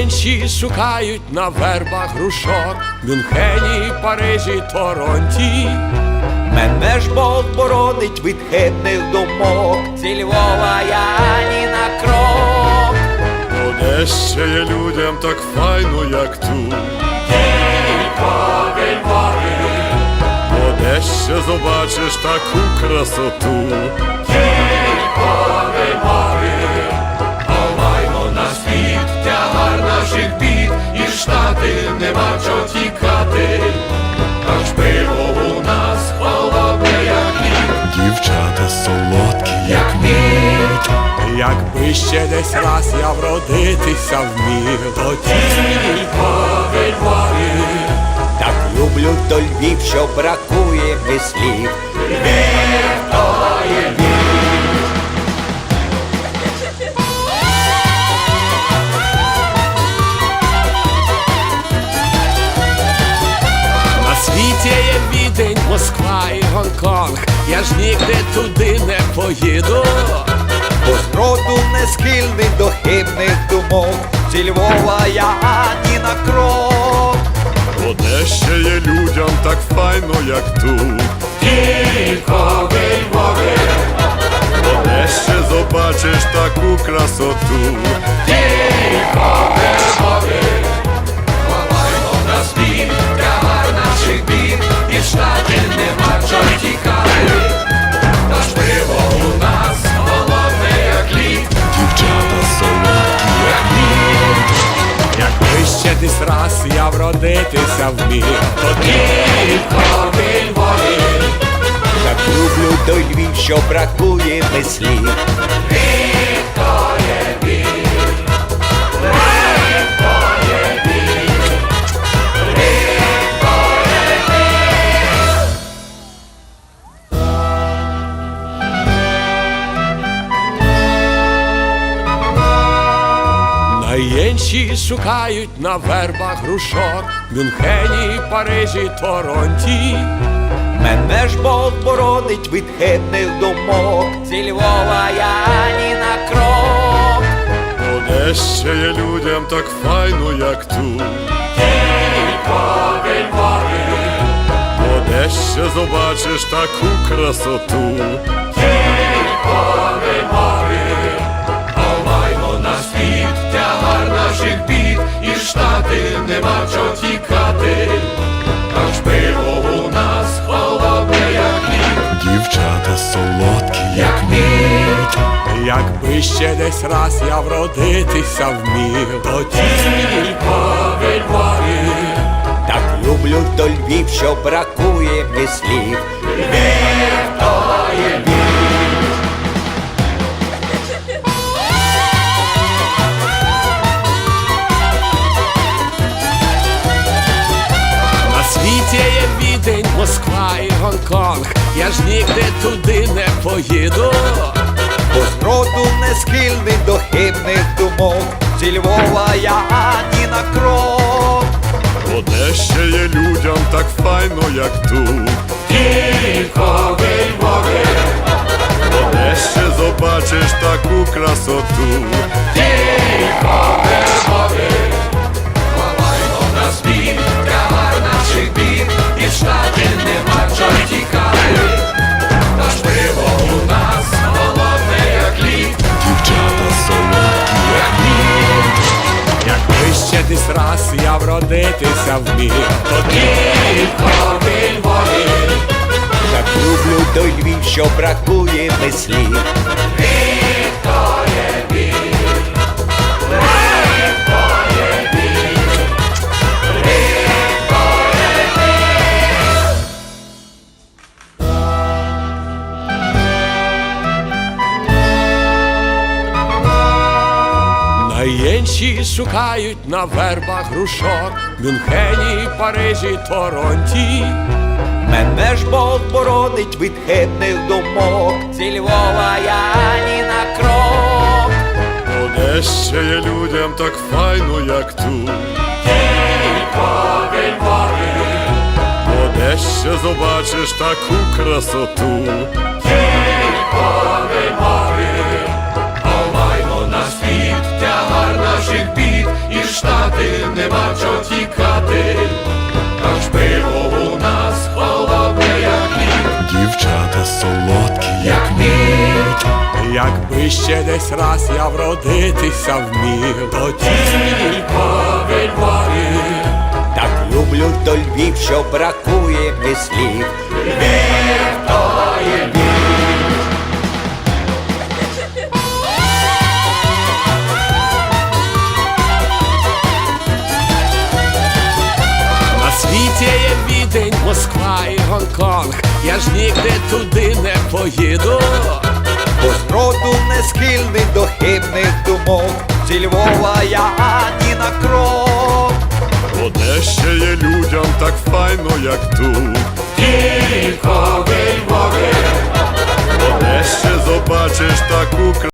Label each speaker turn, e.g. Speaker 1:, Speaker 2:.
Speaker 1: Найменші шукають на вербах грушок, Мюнхені, Парижі, Торонті.
Speaker 2: Мене ж Бог боронить від хибних думок, зі Львова я ні на крок.
Speaker 3: Де ще є людям так файно, як тут?
Speaker 1: Тільки Львові.
Speaker 3: Де ще побачиш таку красоту?
Speaker 1: Тільки Львові. Ховаймо на світ тягар наших бід, і Штати нема чого тікати. Аж пиво у нас холодне, як лід.
Speaker 3: Дівчата солодкі,
Speaker 1: Як мід.
Speaker 3: Якби ще десь раз я вродитися вмів, то
Speaker 1: Тільки Львові.
Speaker 2: Так люблю то Львів, що бракує мені слів.
Speaker 1: Львів то є Львів.
Speaker 3: на світі є Відень, Москва і Гонконг. Я ж нігде туди не поїду.
Speaker 2: Бо зроду не схильний до хибних думок, зі Львова я ні на крок.
Speaker 3: Де ще є людям так файно, як тут?
Speaker 1: Тільки Львові.
Speaker 3: Де ще побачиш таку красоту?
Speaker 1: Тільки Львові. Ховаймо на світ тягар наших бід, і Штати нема чого тікати. Тож пиво у нас холодне, як лід.
Speaker 3: Дівчата солодкі,
Speaker 1: Як мід.
Speaker 3: якби ще десь раз я вродитися вмів, то
Speaker 1: Тільки Львові.
Speaker 2: Так люблю той Львів, що бракує мені слів.
Speaker 1: Львів то є Львів. Львів то є Львів. Львів то є Львів.
Speaker 3: Найменші шукають на вербах грушок, Мюнхені, Парижі, Торонті.
Speaker 2: Мене ж Бог боронить від хибних думок, зі Львова я ні на крок.
Speaker 3: Де ще є людям так файно, як тут?
Speaker 1: Тільки Львові.
Speaker 3: Де ще побачиш таку красоту?
Speaker 1: Тільки Львові. Ховаймо на світ тягар наших бід, і Штати нема чого тікати. Аж пиво у нас холодне, як лід.
Speaker 3: Дівчата солодкі,
Speaker 1: Як мід.
Speaker 3: якби ще десь раз я вродитися вмів, то
Speaker 1: Тільки Львові.
Speaker 2: Так люблю то Львів, що бракує мені слів.
Speaker 1: Львів то є Львів.
Speaker 3: на світі є Відень, Москва і Гонконг. Я ж нігде туди не поїду.
Speaker 2: Бо зроду не схильний до хибних думок, зі Львова я ні на крок.
Speaker 3: Де ще є людям так файно, як тут?
Speaker 1: Тільки Львові.
Speaker 3: Де ще побачиш таку красоту?
Speaker 1: Тільки Львові. Ховаймо на світ тягар наших бід, і Штати нема чого тікати. Тож пиво у нас холодне, як лід.
Speaker 3: Дівчата солодкі,
Speaker 1: Як мід.
Speaker 3: якби ще десь раз я вродитися вмів, то
Speaker 1: Тільки Львові.
Speaker 2: Так люблю той Львів, що бракує мені слів.
Speaker 1: Львів то є Львів. Львів то є Львів. Львів то є Львів.
Speaker 3: Найменші шукають на вербах грушок, Мюнхені, Парижі, Торонті.
Speaker 2: Мене ж Бог боронить від хибних думок, зі Львова я ні на крок.
Speaker 3: Де ще є людям так файно, як тут?
Speaker 1: Тільки Львові.
Speaker 3: Де ще побачиш таку красоту?
Speaker 1: Тільки Львові. Ховаймо на світ тягар наших бід, і Штати
Speaker 3: Якби ще десь раз я вродитися вмів, то тільки в Львові.
Speaker 2: Так люблю до Львів, що бракує мені слів. Львів, то є Львів.
Speaker 3: На світі є Відень, Москва і Гонконг. Я ж нігде туди не поїду.
Speaker 2: Бо зроду не схильний до хибних думок. Зі Львова я ані на крок.
Speaker 4: Де ще є людям так файно, як тут.
Speaker 1: Тільки в Львові.
Speaker 4: Де ще побачиш таку